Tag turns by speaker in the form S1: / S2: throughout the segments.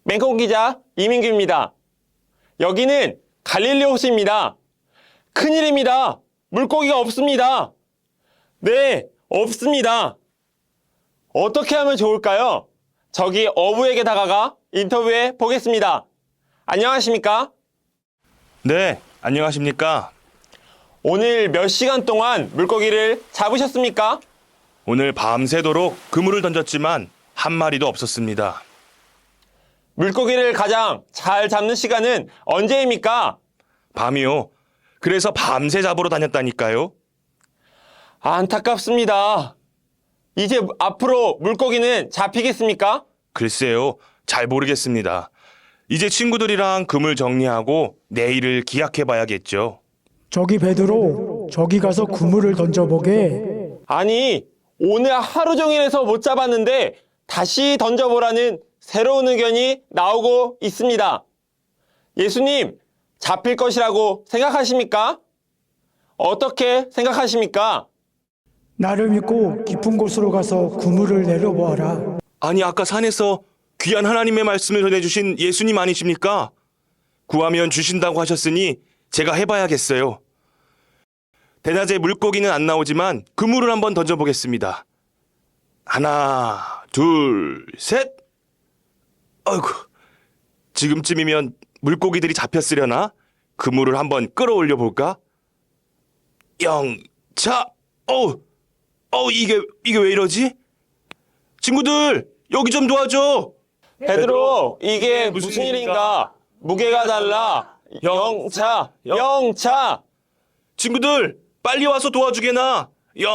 S1: 맹콩 기자 이민규입니다. 여기는 갈릴리 호수입니다. 큰일입니다. 물고기가 없습니다. 네, 없습니다. 어떻게 하면 좋을까요? 저기 어부에게 다가가 인터뷰해 보겠습니다. 안녕하십니까?
S2: 네, 안녕하십니까?
S1: 오늘 몇 시간 동안 물고기를 잡으셨습니까?
S2: 오늘 밤새도록 그물을 던졌지만 한 마리도 없었습니다.
S1: 물고기를 가장 잘 잡는 시간은 언제입니까?
S2: 밤이요. 그래서 밤새 잡으러 다녔다니까요.
S1: 안타깝습니다. 이제 앞으로 물고기는 잡히겠습니까?
S2: 글쎄요, 잘 모르겠습니다. 이제 친구들이랑 그물 정리하고 내일을 기약해봐야겠죠.
S3: 저기 베드로, 저기 가서 그물을 던져보게.
S1: 아니, 오늘 하루 종일 해서 못 잡았는데 다시 던져보라는 새로운 의견이 나오고 있습니다. 예수님, 잡힐 것이라고 생각하십니까? 어떻게 생각하십니까?
S3: 나를 믿고 깊은 곳으로 가서 그물을 내려보아라.
S2: 아니, 아까 산에서 귀한 하나님의 말씀을 전해주신 예수님 아니십니까? 구하면 주신다고 하셨으니 제가 해봐야겠어요. 대낮에 물고기는 안 나오지만 그물을 한번 던져보겠습니다. 하나, 둘, 셋. 아이고, 지금쯤이면 물고기들이 잡혔으려나? 그물을 한번 끌어올려 볼까? 영차, 이게 왜 이러지? 친구들, 여기 좀 도와줘.
S1: 베드로, 이게 무슨 일인가? 무게가 달라. 영차.
S2: 친구들, 빨리 와서 도와주게나.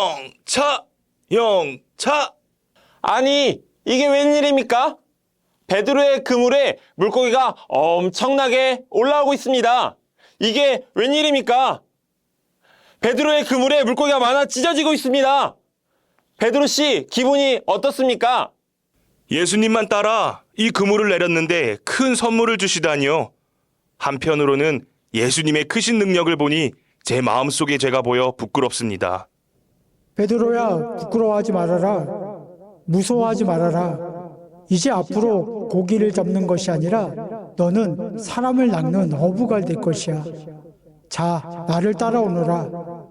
S2: 영차.
S1: 아니, 이게 웬일입니까? 베드로의 그물에 물고기가 엄청나게 올라오고 있습니다. 이게 웬일입니까? 베드로의 그물에 물고기가 많아 찢어지고 있습니다. 베드로 씨, 기분이 어떻습니까?
S2: 예수님만 따라 이 그물을 내렸는데 큰 선물을 주시다니요. 한편으로는 예수님의 크신 능력을 보니 제 마음속의 죄가 보여 부끄럽습니다.
S3: 베드로야, 부끄러워하지 말아라. 무서워하지 말아라. 이제 앞으로 고기를 잡는 것이 아니라 너는 사람을 낚는 어부가 될 것이야. 자, 나를 따라오너라.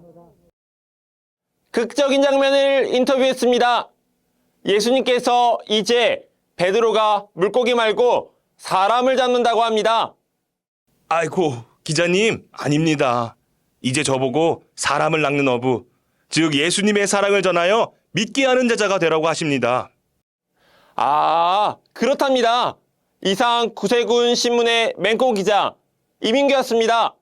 S1: 극적인 장면을 인터뷰했습니다. 예수님께서 이제 베드로가 물고기 말고 사람을 잡는다고 합니다.
S2: 아이고, 기자님, 아닙니다. 이제 저보고 사람을 낚는 어부, 즉 예수님의 사랑을 전하여 믿게 하는 제자가 되라고 하십니다.
S1: 아, 그렇답니다. 이상 구세군 신문의 맹꽁 기자 이민규였습니다.